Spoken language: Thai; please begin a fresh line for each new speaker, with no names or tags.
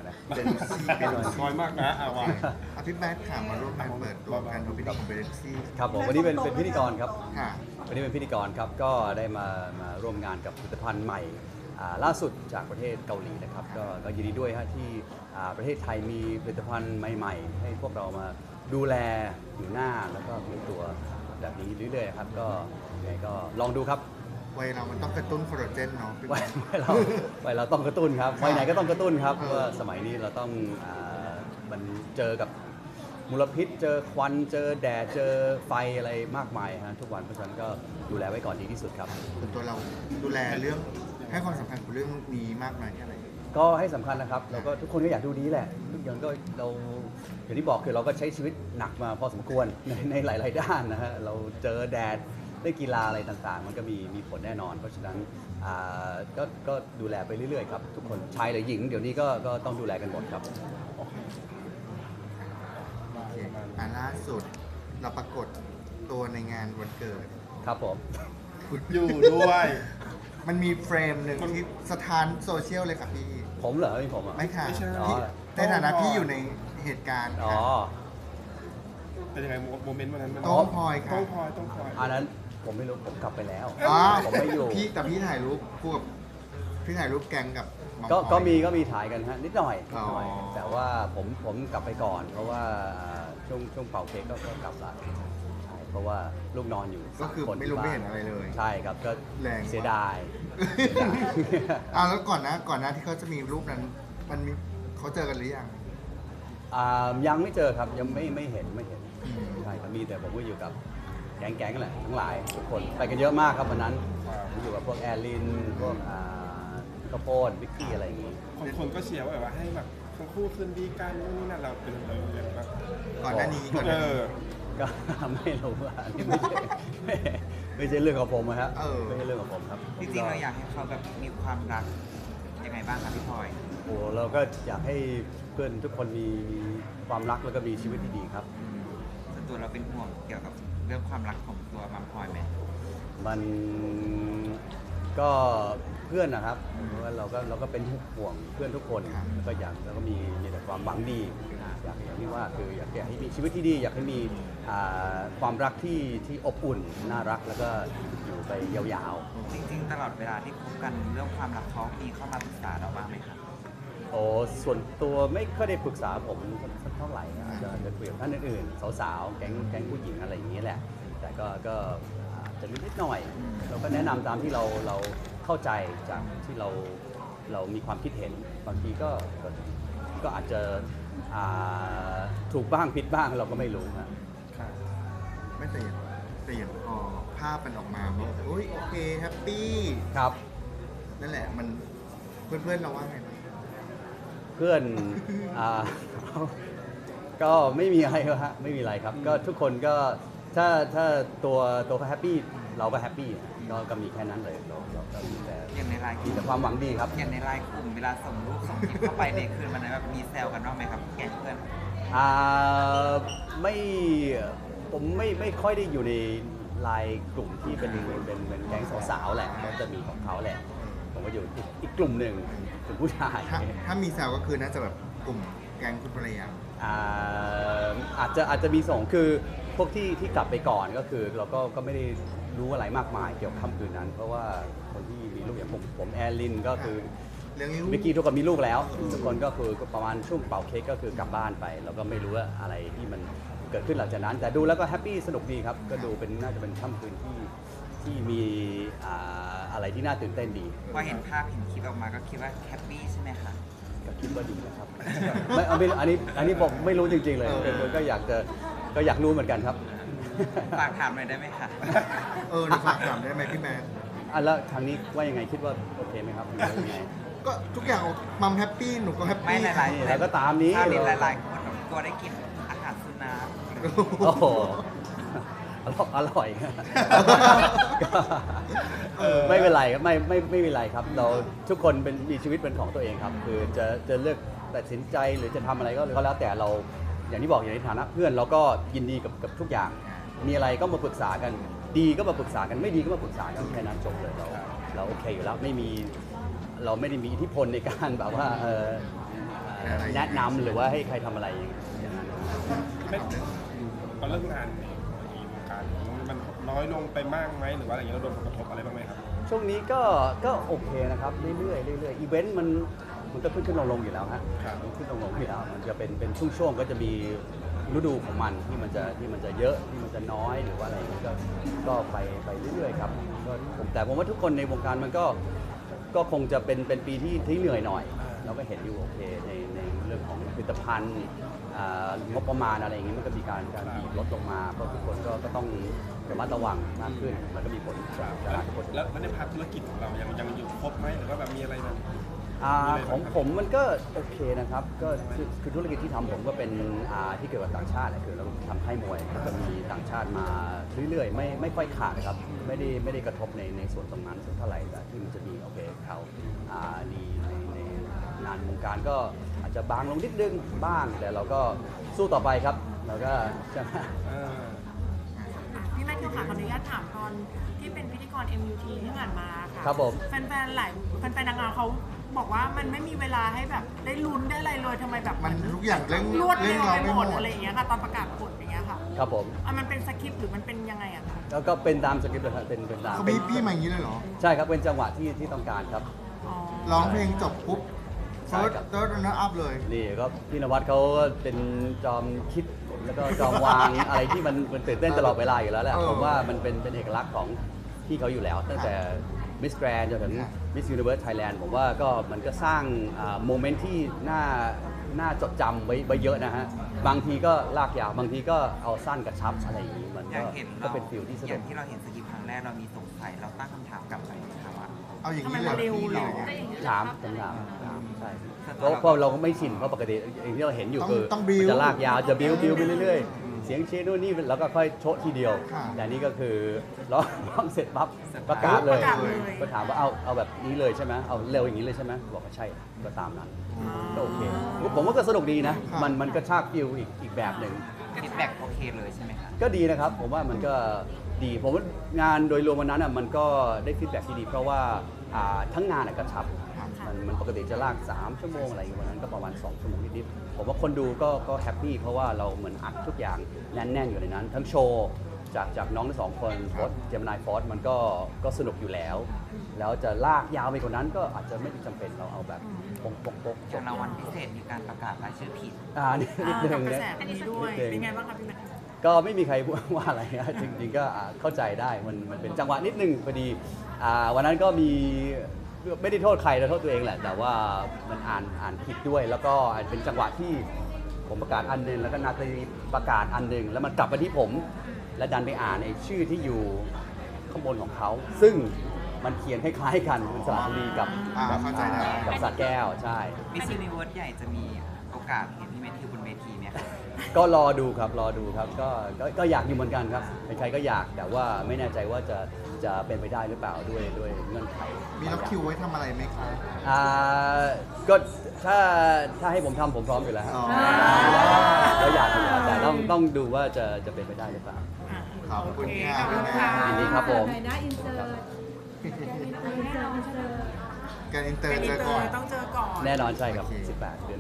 นะ
เป็นน้อยมากนะว่าพี่แบทค่ะมาร่วมงานเปิดตัวการทำพิธีของเบรซี่
ครับผมวันนี้เป็นพิธีกรครับ
ค่ะ
วันนี้เป็นพิธีกรครับก็ได้มาร่วมงานกับผลิตภัณฑ์ใหม่ล่าสุดจากประเทศเกาหลีนะครับก็ยินดีด้วยฮะที่ประเทศไทยมีผลิตภัณฑ์ใหม่ๆให้พวกเรามาดูแลผิวหน้าแล้วก็ผิวตัวแบบนี้เรื่อยๆครับก็ยังไงก็ลองดูครับ
วัยเรามันต้องกระตุ้นคอลลาเจนเนาะ
วัยเราต้องกระตุ้นครับวัยไหนก็ต้องกระตุ้นครับเพราะว่าสมัยนี้เราต้องมันเจอกับมลพิษเจอควันเจอแดดเจอไฟอะไรมากมายฮะทุกวันเพราะฉะนั้นก็ดูแลไว้ก่อนดีที่สุดครับ
ส่วนตัวเราดูแลเรื่องให้ความสำคัญกับเรื่องนี้มากน้อยแค่ไหน
ก็ให้สำคัญนะครับเราก็ทุกคนก็อยากดูดีแหละทุกอย่างก็เราอย่างที่บอกคือเราก็ใช้ชีวิตหนักมาพอสมควรในหลาย ๆ ด้านนะฮะเราเจอแดดได้กีฬาอะไรต่างๆ มันก็มีผลแน่นอน เพราะฉะนั้นก็ดูแลไปเรื่อย ๆ ครับ ทุกคนชายหรือหญิงเดี๋ยวนี้ก็ต้องดูแลกันหมดครับ
โอเคล่าสุดเราปรากฏตัวในงานวันเกิด
ครับผม
อยู่ด้วย
มันมีเฟรมหนึ่งที่สถานโซเชียลเลยค่ะพี่
ผมเหรอไม่ผมอ่ะ
ไม่ค่ะ
ไม่ใช่
พี่ในฐานะพี่อยู่ในเหตุการณ์
อ๋อ
ค่ะ
เป็นยังไงโมเมนต์วันนั้นมัน
ต้องพลอยค่ะ
ต้องพลอยต้องพลอย
อันนั้นผมไม่รู้ผมกลับไปแล้ว
อ๋อ
ผมไม่อยู่
พี่ถ่ายรูปคู่กับพี่ถ่ายรูปแกงกับหมอ
ก็
พลอย
มีถ่ายกันฮะนิดหน่อย
อ๋อ
แต่ว่าผมกลับไปก่อน เพราะว่าช่วงเป่าเค้กก็กลับละใช่เพราะว่าลูกนอนอยู่
ก็คือ
สามน
ไม่รู้
ที่
ไม่
บ้า
เห็นอะไรเลย
ใช่ครับก็
แรงมาก
เสียดาย
แล้วก่อนหน้าที่เขาจะมีรูปนั้นมันมีเขาเจอกันหรือยัง
ยังไม่เจอครับยังไม่เห็น
อืม
ใช่ครับมีแต่ผมก็อยู่กับแก๊งๆแหละทั้งหลายทุกคนไปกันเยอะมากครับวันนั้นผมอยู่กับพวกแอร์ลินพวกข้าวโพดวิกกี้อะไรอย่างงี้
คนก็เชียร์ว่าแบบว่าให้แบบทั้งคู่คืนดีกันนู่นนี่นั่นเราเป็นแบบ
ก่อนหน้านี้
ก็ ไม่รู้ว่าอันนี้ไม่ใช่เรื่องของผมอะครับไม่ใช่เรื่องของผมครับ
จริงๆเราอยากให้เขาแบบมีความรักยังไงบ้างคะพี่พลอย
โอ้เราก็อยากให้เพื่อนทุกคนมีความรักแล้วก็มีชีวิตที่ดีครับ
ส่วนตัวเราเป็นห่วงเกี่ยวกับเรื่องความรักของตัวมัมพลอยไหม
มันก็เพื่อนนะครับเพราะว่าเราก็เป็นห่วงเพื่อนทุกคนแล้วก็แล้วก็มีแต่ความหวังดีอย่างที่ว่าคืออยากให้มีชีวิตที่ดี อยากให้มีความรักที่อบอุ่นน่ารักแล้วก็อยู่ไปยาวๆ
จริงๆ ตลอดเวลาที่คบกันเรื่องความรักเขามีเข้ามาปรึกษาเราบ้างไหมคะ
โอ้ส่วนตัวไม่ค่อยได้ปรึกษาผมสักเท่าไหร่นะจะคุยกับท่านอื่นๆสาวๆแก๊งผู้หญิงอะไรอย่างนี้แหละ แต่ก็จะนิดหน่อย เราก็แนะนำตามที่เราเข้าใจจากที่เรามีความคิดเห็นบางทีก็อาจจะถูกบ้างผิดบ้างเราก็ไม่รู้นะ
ไม่แต่อย่างพอภาพมันออกมาว่าโอเคแฮปปี้
ครับ
นั่นแหละมันเพื่อนเราว่าไงบ้าง
เพื่อนก็ไม่มีอะไรฮะไม่มีอะไรครับ ก็ทุกคนก็ถ้าตัวเขาแฮปปี้เราก็แฮปปี้ก็มีแค่นั้นเลยเราก็มีแต่
อย่างในไลน์ก
มี
ลุ่ม
แต่ความหวังดีครับ
อย่างในไลน์กลุ่มเวลาส่งรูปส่งคลิปเข้าไปในคืนวันนั้นแบบมีแซวกันบ้างไหมครับแก๊งเพื่อน
ไม่ผมไม่ค่อยได้อยู่ในไลน์กลุ่มที่เป็นแก๊งสาวๆแหละก็จะมีของเขาแหละผมก็อยู่อีกกลุ่มหนึ่งกลุ่มผู้ชาย
ถ้ามีแซวก็คือน่าจะแบบกลุ่มแก๊งคุณภรรยา
อาจจะมีส่งคือพวกที่กลับไปก่อนก็คือเราก็ไม่ได้รู้อะไรมากมายเกี่ยวกับค่ำคืนนั้น เพราะว่าคนที่มีลูกอย่างผมแอร์ลินก็คือ
เรื่องนี้
วิกกี้ทุกคนมีลูกแล้วทุกคนก็คือประมาณช่วงเป่าเค้กก็คือกลับบ้านไป แล้วก็ไม่รู้ว่าอะไรที่มันเกิดขึ้นหลังจากนั้น แต่ดูแล้วก็แฮปปี้สนุกดีครับก็ดูน่าจะเป็นค่ำคืนที่มีอะไรที่น่าตื่นเต้นดี
พอเห็นภาพเห็นคลิปออกมาก็คิดว่าแฮปปี้ใช่ไหมคะ
ก็คิดว่าดีนะครับ ไม่อันนี้ผมไม่รู้จริงๆเลยก็อยากรู้เหมือนกันครับ
ฝากถามหน่อยได้ไหมคะ
หนูฝากถามได้ไหมพี่แมน
แล้วทางนี้ว่ายังไงคิดว่าโอเคไหมครับหรือว่ายังไง
ก็ทุกอย่างมัมแฮปปี้หนูก็แฮป
ไม่
ปี้
หลาย
นี่แล้วก็ตามนี้
ๆภาพเห็นหลายๆคนแบบตัวได้กินอาหารสุนัข
โอ้โหอร่อย ไม่เป็นไรครับไม่เป็นไรครับ เราทุกคนมีชีวิตเป็นของตัวเองครับ คือจะเลือกตัดสินใจหรือจะทำอะไรก็แล้วแต่เราอย่างที่บอกอย่างในฐานะเพื่อนเราก็ยินดีกับทุกอย่าง มีอะไรก็มาปรึกษากัน ดีก็มาปรึกษากันไม่ดีก็มาปรึกษากันแค่นั้นจบเลยเราโอเคอยู่แล้วเราไม่ได้มีอิทธิพลในการแบบว่าแนะนำหรือว่าให้ใครทำอะไรอย่างนั้น
ไม่ตอนเรื่องงานในวงการมันน้อยลงไปมากไหมหรือว่าอะไรอย่างเงี้ยเราโดนผลกระทบอะไรบ้างไหมครับ
ช่วงนี้ก็โอเคนะครับเรื่อยๆอีเวนต์มันก็ขึ้นลงอยู่แล้วฮะ
ครับ
ขึ้นลงอยู่แล้วมันจะเป็นช่วงๆก็จะมีฤดูของมันที่มันจะเยอะที่มันจะน้อยหรือว่าอะไรอย่างเงี้ยก็ไปเรื่อยๆครับก็แต่ผมว่าทุกคนในวงการมันก็คงจะเป็นปีที่เหนื่อยหน่อย เราก็เห็นอยู่โอเคในเรื่องของผลิตภัณฑ์งบประมาณอะไรอย่างงี้มันก็มีการบีบลดลงมาเพราะทุกคนก็ต้องระมัดระวังมากขึ้นมันก็มีผลจากทุกคน
แล้วในพาร์ทธุรกิจของเรายังอยู่ครบไหมหรือว่าแบบมีอะไรแบบ
ของผมมันก็โอเคนะครับก็คือธุรกิจที่ทำผมก็เป็นที่เกี่ยวกับต่างชาติแหละคือเราทำค่ายมวยก็จะมีต่างชาติมาเรื่อยๆไม่ค่อยขาดนะครับไม่ได้กระทบในส่วนตรงนั้นสักเท่าไหร่แต่ที่มันจะมีโอเคเขาดีในงานวงการก็อาจจะบางลงนิดนึงบ้างแต่เราก็สู้ต่อไปครับเราก็ใช่ไหม
พี่แมทธิวค่ะขออนุญาตถามตอนที่เป็นพิธีกร MUT ที่ผ่านมาค่ะ
ครับผม
แฟนๆนางงามเขาบอกว่ามันไม่มีเวลาให้แบบได้ลุ้นได้อะไรเลยทำไมแบบ
มันทุกอย่างเร่ง
รวด
เร่
เร็
ง
ว
เรา
ไป
ไม่
ห
ห
ม
ม
ด
ด
อะไรอย่างเงี้ยค่ะตอนประกาศผลอย่างเงี้ยค่ะ
ครับผม
มันเป็นสคริปต์หรือมันเป็นยังไงอะคะ
แล้วก็เป็นตามสคริปต์เลยครับเป็นตาม
เขาบีบพี่มาอย่างนี้เลยเหรอ
ใช่ครับเป็นจังหวะที่ต้องการครับ
อ๋อ
ร้องเพลงจบปุ๊บ
ใช่
เติร์ด
ครับ
เติร์ดนะอัพเลย
นี่ก็พี่นวัดเขาก็เป็นจอมคิดแล้วก็จอมวางอะไรที่มันตื่นเต้นตลอดเวลาอยู่แล้วแหละ
เออ
ผมว่ามันเป็นเอกลักษณ์ของพี่เขาอยู่แล้ว ตั้งแต่มิสแกรนจนถึง
ครับ
มิสยูนิเวิร์สไทยแลนด์ผมว่าก็มันก็สร้างโมเมนต์ที่น่าจดจำไว้เยอะนะฮะ บางทีก็ลากยาวบางทีก็เอาสั้นกระชับอะไรอย่างนี้มัน
อยากเห็น
ก็เป็นฟิลที่ส
อ
นุ
ย่าก งที่เราเห็นสกิปครั้งแรกเรามีสงสัยเราตั้งคำถามกลับไปถามว่า
เอาอย่าง
ทำไม
นี้เลย
มันเร็ว
พี่
เร็ว
เลย
ถามใช่เพราะเราก็ไม่ชินเพราะปกติอย่างที่เราเห็นอยู่คือ
ต้องบิ้ว
มันจะลากยาวจะบิ้วไปเรื่อยๆ เสียงเชียร์นู่นนี่แล้วก็ค่อยโชะทีเดียว
ค่ะ
แต่นี่ก็คือร้องเสร็จปั๊บประกาศเลย ก็ถามว่าเอาแบบนี้เลยใช่ไหมเอาเร็วอย่างนี้เลยใช่ไหมบอกว่าใช่ก็ตามนั้นก็โอเคผมว่าก็สนุกดีนะ มันก็ชากฟิลอีกแบบหนึ่ง
ฟีดแบ็กโอเคเลยใช่ไหมคะ
ก็ดีนะครับ ผมว่ามันก็ดีผมว่างานโดยรวมวันนั้นมันก็ได้ฟีดแบ็กที่ดี เพราะว่าทั้งงานกระชับมันปกติจะลาก3ชั่วโมงอะไรอย่างเงี้ยวันนั้นก็ประมาณ2ชั่วโมงนิดๆผมว่าคนดูก็แฮปปี้เพราะว่าเราเหมือนอัดทุกอย่างแน่นๆอยู่ในนั้น ทั้งโชว์จากน้องทั้งสองคนโฟร์เจมินายฟอร์มันก็สนุกอยู่แล้ว แล้วจะลากยาวไปกว่านั้นก็อาจจะไม่จำเป็นเราเอาแบบปกๆ
อย่างรางวัลพิเศษมีการประกาศรายชื่อผิด
นิดนึ
กับ
ง
กระ
นะ
แสนี้ด้วย เป็นไงบ้างคะพี่แมทธิว
ก็ไม่มีใครว่าอะไรนะจริงๆก็เข้าใจได้มันเป็นจังหวะนิดนึงพอดีวันนั้นก็มีไม่ได้โทษใครแต่โทษตัวเองแหละ แต่ว่ามันอ่านผิดด้วย แล้วก็เป็นจังหวะที่ผมประกาศอันหนึงแล้วก็นาตาลีประกาศอันหนึงแล้วมันกลับมาที่ผม และดันไปอ่านไอ้ชื่อที่อยู่ข้างบนของเขา ซึ่งมันเขียนคล้ายๆกันเป็นสระบุรีกับ
เข้าใจได้
กับสระแก้วใช่
มิสซินิเวิร์สใหญ่จะมีโอกาสเห็นพี่แมทธิวบนเวทีไหมครับ
ก็รอดูครับก็อยากอยู่เหมือนกันครับใครๆก็อยากแต่ว่าไม่แน่ใจว่าจะเป็นไปได้หรือเปล่าด้วยเงื่อนไข
มีล็อกคิวไว้ทำอะไรไหมคะ
ก็ถ้าให้ผมทำผมพร้อมอยู่แล้วฮะ
อ๋อ
ก็อยากอยู่แล้วแต่ต้องดูว่าจะเป็นไปได้หรือเปล่า
ขอบคุณค่ะ
ขอบคุณค่ะ
ยินดีครับผม
ไหนนะอินเสิร์ตอินเสิร์ต
การอินเตอ
เป็
ร์
นอิ
เจ
น
อ
เตอ
ก่อน
ร์ต้องเจอก่อน
แน่นอนใช่ครับ
โอเค
18 เดือน